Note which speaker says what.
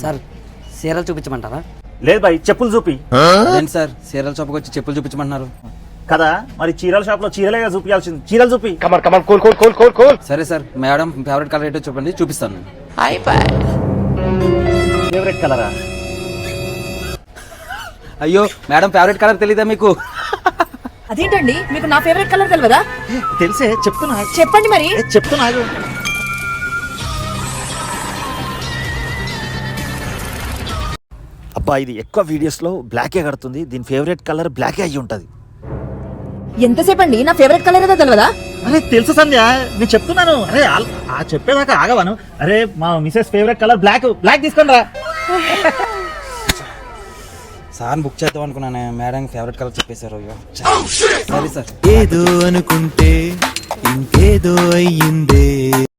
Speaker 1: Sir చీరలు చూపించమంటారా?
Speaker 2: లేదు bye, చెప్పులు చూపి.
Speaker 1: అదేంటి సార్ చీరల షాప్కి వచ్చి చెప్పులు చూపించమంటున్నారు?
Speaker 2: కదా మరి చీరల షాప్ లో చీరలేగా చూపించాల్సింది, చీరలు చూపి.
Speaker 1: సరే సార్ మేడం ఫేవరెట్ కలర్ ఏంటో చెప్పండి, చూపిస్తాను.
Speaker 2: ఫేవరెట్ కలరా?
Speaker 1: అయ్యో మేడం ఫేవరెట్ కలర్ తెలీదా మీకు?
Speaker 3: అదేంటండి మీకు నా ఫేవరెట్ కలర్ తెలియదా?
Speaker 2: తెలిసే చెప్తున్నా.
Speaker 3: చెప్పండి మరి.
Speaker 2: చెప్తున్నా. అబ్బా ఇది ఎక్కువ వీడియోస్ లో బ్లాకే కడుతుంది, దీని ఫేవరెట్ కలర్ బ్లాకే అయ్యి ఉంటది.
Speaker 3: ఎంతసేపు అండి నా ఫేవరెట్ కలర్ ఏదో తెలియదా?
Speaker 2: అరే తెలుసు సంధ్య, నేను చెప్తున్నాను. అరే ఆ చెప్పేదాకా ఆగవాను. అరే మా Mrs favourite colour black. Black తీసుకొని రా.
Speaker 1: సార్ బుక్ చేద్దాం అనుకున్నాను, మేడం ఫేవరెట్ కలర్ చెప్పేశారు. అయ్యో సరే సార్.
Speaker 4: ఏదో అనుకుంటే ఇంకేదో అయ్యిందే.